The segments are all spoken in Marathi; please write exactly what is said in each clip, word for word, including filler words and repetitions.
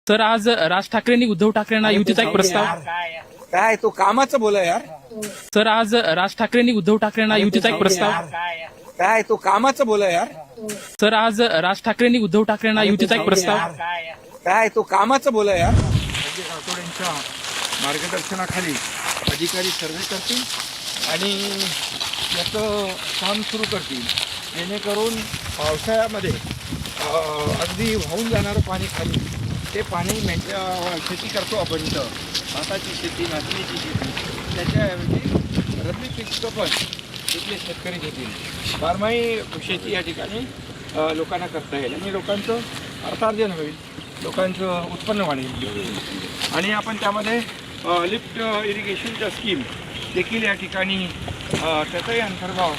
सर आज राज ठाकरेंनी उद्धव ठाकरेंना युतीचा एक प्रस्ताव काय तो कामाचं बोला यार. सर आज राज ठाकरेंनी उद्धव ठाकरेंना युतीचा एक प्रस्ताव काय तो कामाचं बोला यार. सर आज राज ठाकरेंनी उद्धव ठाकरेंना युतीचा एक प्रस्ताव काय तो कामाचं बोला यार. संजय राठोडांच्या मार्गदर्शनाखाली अधिकारी सर्वे करतील आणि याचं काम सुरू करतील जेणेकरून पावसाळ्यामध्ये अगदी वाहून जाणारं पाणी खाली ते पाणी मेंढ्या शेती करतो आपण इथं भाताची शेती नाचणीची शेती त्याच्याऐवजी रब्बी पिकं पण इथले शेतकरी घेतील. बारमाही शेती या ठिकाणी लोकांना करता येईल आणि लोकांचं अर्थार्जन होईल, लोकांचं उत्पन्न वाढेल आणि आपण त्यामध्ये लिफ्ट इरिगेशनच्या स्कीम देखील या ठिकाणी त्याचाही अंतर्भाव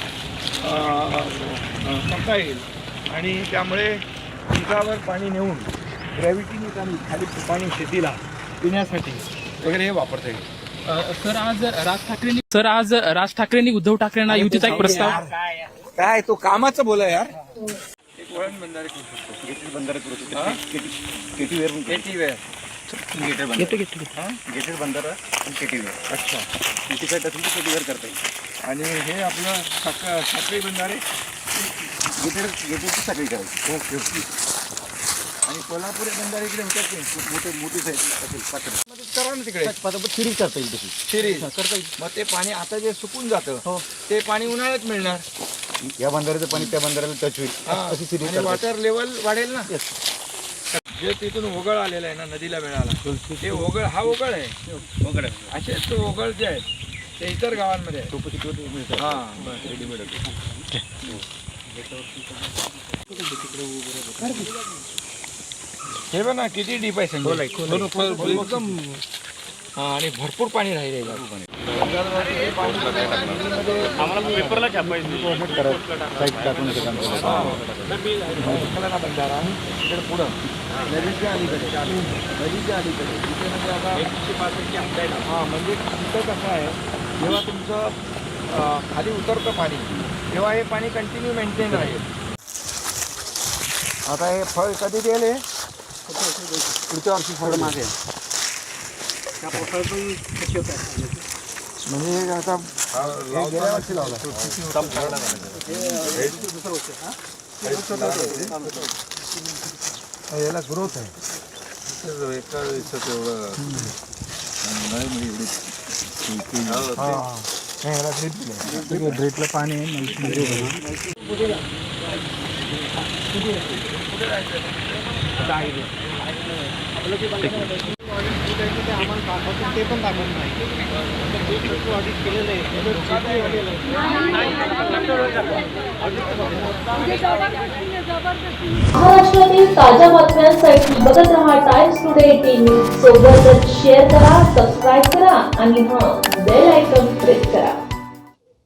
करता येईल आणि त्यामुळे पिकावर पाणी नेऊन ग्रॅव्हिटीने पाणी खाली पाणी शेतीला पिण्यासाठी वगैरे हे वापरता येईल. सर आज राज ठाकरेंनी सर आज राज ठाकरेंनी उद्धव ठाकरेंना युतीचा एक प्रस्ताव काय तो कामाचं बोला यार. एक वळण बंधारे करू शकतो, गेटेड बंधारे करू शकतो. KT weir KT weir gated बंधारा गेटेड बंधारा आणि केटी वेअर. अच्छा, केटी काय असेल तर केटी वेअर करता येईल आणि हे आपलं साखर साखळी बंधारे गेटेड गेटेडची सगळी करायची. Okay okay. आणि कोल्हापुरी बंधारे इकडे होतात ते मोठे मोठी साईज असेल साखर मध्ये करा ना तिकडे सिरीज करता येईल तशी सिरीज करता येईल. मग ते पाणी आता जे सुकून जातं ते पाणी उन्हाळ्यात मिळणार. या बंधाऱ्याचं पाणी त्या बंधाऱ्याला टच होईल अशी सिरीज आणि वॉटर लेवल वाढेल ना. जे तिथून ओघळ आलेला आहे ना नदीला मिळाला ते ओघळ हा ओघळ आहे वगैरे असेच तो ओघळ जे आहे ते इतर गावांमध्ये आहे. मिळतात हां रेडीमेड हे बघ ना किती डीप आहे संजय. एकदम हा आणि भरपूर पाणी राहिले पेपरला छापायचं बंधारा तिकडे पुढं नदीच्या अलीकडे नदीच्या अलीकडे तिथे म्हणजे आता एकशे पासष्टची आमदाय ना हां म्हणजे तिथं कसं आहे जेव्हा तुमचं खाली उतरतं पाणी तेव्हा हे पाणी कंटिन्यू मेंटेन राहील. आता हे फळ कधी दिले पुढच्या वर्षी फळ मागे म्हणजे आता हे गेल्या वर्षी लावला याला ग्रोथ आहे एका दिवसात एवढं नाही एवढी ड्रीपला पाणी ते पण दाखवत नाही. महाराष्ट्रातील ताज्या बातम्यांसाठी बघत रहा टाइम्स टुडे टीव्ही. सोबतच शेअर करा, सबस्क्राईब करा आणि हां बेल आयकॉन प्रेस करा.